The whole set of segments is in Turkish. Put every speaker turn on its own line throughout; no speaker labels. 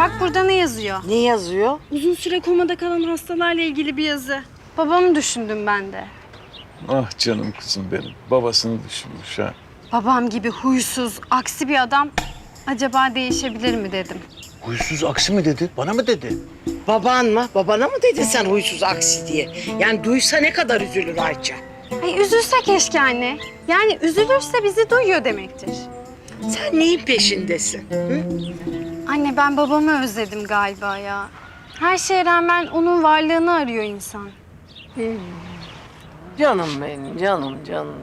Bak burada ne yazıyor?
Ne yazıyor?
Uzun süre komada kalan hastalarla ilgili bir yazı. Babamı düşündüm ben de.
Ah canım kızım benim. Babasını düşünmüş ha.
Babam gibi huysuz, aksi bir adam acaba değişebilir mi dedim.
Huysuz aksi mi dedi? Bana mı dedi?
Baban mı? Babana mı dedin sen huysuz aksi diye? Yani duysa ne kadar üzülür Ayça.
Ay üzülse keşke anne. Yani üzülürse bizi duyuyor demektir.
Sen neyin peşindesin? Hı?
Anne ben babamı özledim galiba ya. Her şeye rağmen onun varlığını arıyor insan.
Canım benim, canım.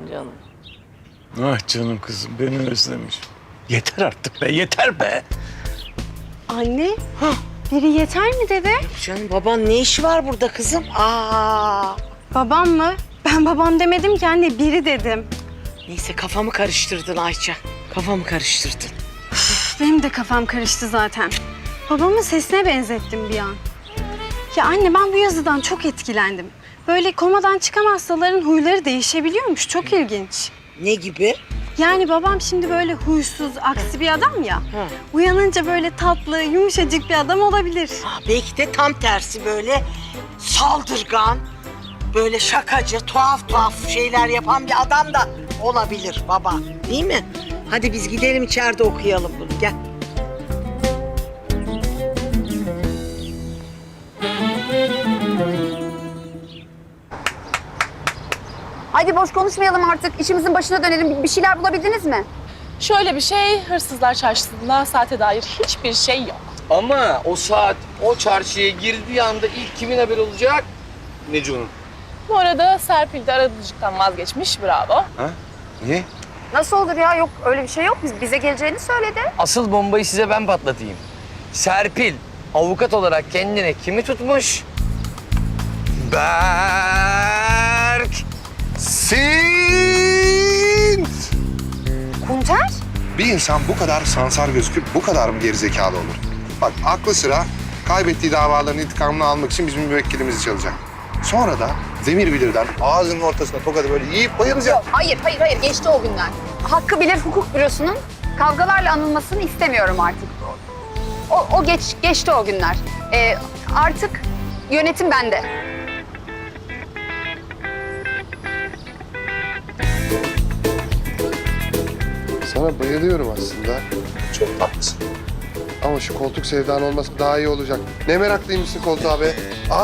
Ah canım kızım beni özlemiş.
Yeter artık be, yeter be.
Anne, biri yeter mi dedi?
Canım baban ne işi var burada kızım?
Babam mı? Ben babam demedim ki anne, biri dedim.
Neyse kafamı karıştırdın Ayça. Kafamı karıştırdın.
Benim de kafam karıştı zaten. Babamın sesine benzettim bir an. Ya anne ben bu yazıdan çok etkilendim. Böyle komadan çıkan hastaların huyları değişebiliyormuş. Çok ilginç.
Ne gibi?
Yani babam şimdi böyle huysuz, aksi bir adam ya. Uyanınca böyle tatlı, yumuşacık bir adam olabilir.
Belki de tam tersi böyle saldırgan, böyle şakacı, tuhaf şeyler yapan bir adam da olabilir baba. Değil mi? Hadi biz gidelim içeride okuyalım bunu. Gel.
Hadi boş konuşmayalım artık. İşimizin başına dönelim. Bir şeyler bulabildiniz mi?
Şöyle bir şey, hırsızlar çarşısında saate dair hiçbir şey yok.
Ama o saat o çarşıya girdiği anda ilk kimin haberi olacak? Neco'nun.
Bu arada Serpil de aracılıktan vazgeçmiş, bravo.
Ha? Niye?
Nasıl olur ya? Yok öyle bir şey yok. Bize geleceğini söyledi.
Asıl bombayı size ben patlatayım. Serpil avukat olarak kendine kimi tutmuş?
Berk Sint!
Kunter?
Bir insan bu kadar sansar gözüküp bu kadar mı gerizekalı olur? Bak aklı sıra kaybettiği davaların intikamını almak için bizim müvekkilimizi çalacak. Sonra da demir bilirden ağzının ortasına tokadı böyle yiyip bayılacak.
Hayır. Geçti o günler. Hakkı Bilir Hukuk Bürosu'nun kavgalarla anılmasını istemiyorum artık. O geçti o günler. Artık yönetim bende.
Sana bayılıyorum aslında. Çok tatlısın. Ama şu koltuk sevdan olması daha iyi olacak. Ne meraklıymışsın koltuğa be.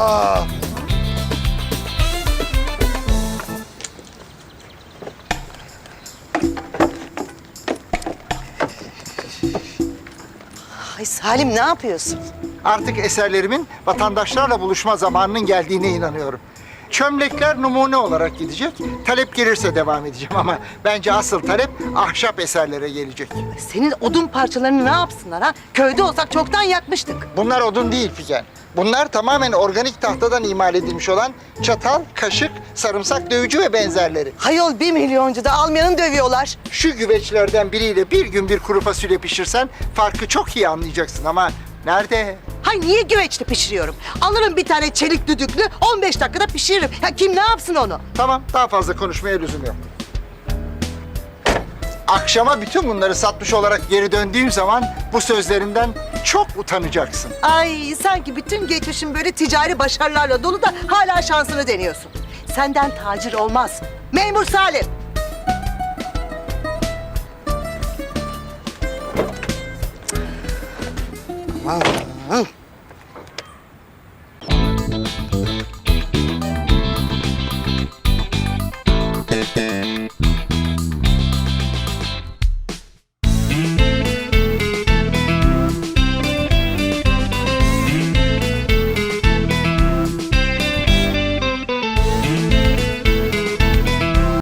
Ay Salim ne yapıyorsun?
Artık eserlerimin vatandaşlarla buluşma zamanının geldiğine inanıyorum. Çömlekler numune olarak gidecek. Talep gelirse devam edeceğim ama bence asıl talep ahşap eserlere gelecek.
Senin odun parçalarını ne yapsınlar ha? Köyde olsak çoktan yakmıştık.
Bunlar odun değil Figen. Bunlar tamamen organik tahtadan imal edilmiş olan çatal, kaşık, sarımsak dövücü ve benzerleri.
Hayol 1 milyoncu da almayanı dövüyorlar.
Şu güveçlerden biriyle bir gün bir kuru fasulye pişirsen farkı çok iyi anlayacaksın ama nerede?
Hay niye güveçte pişiriyorum? Alırım bir tane çelik düdüklü 15 dakikada pişiririm. Ya kim ne yapsın onu?
Tamam, daha fazla konuşmaya lüzum yok. Akşama bütün bunları satmış olarak geri döndüğüm zaman bu sözlerinden çok utanacaksın.
Ay sanki bütün geçmişin böyle ticari başarılarla dolu da hala şansını deniyorsun. Senden tacir olmaz. Memur Salim.
Aman.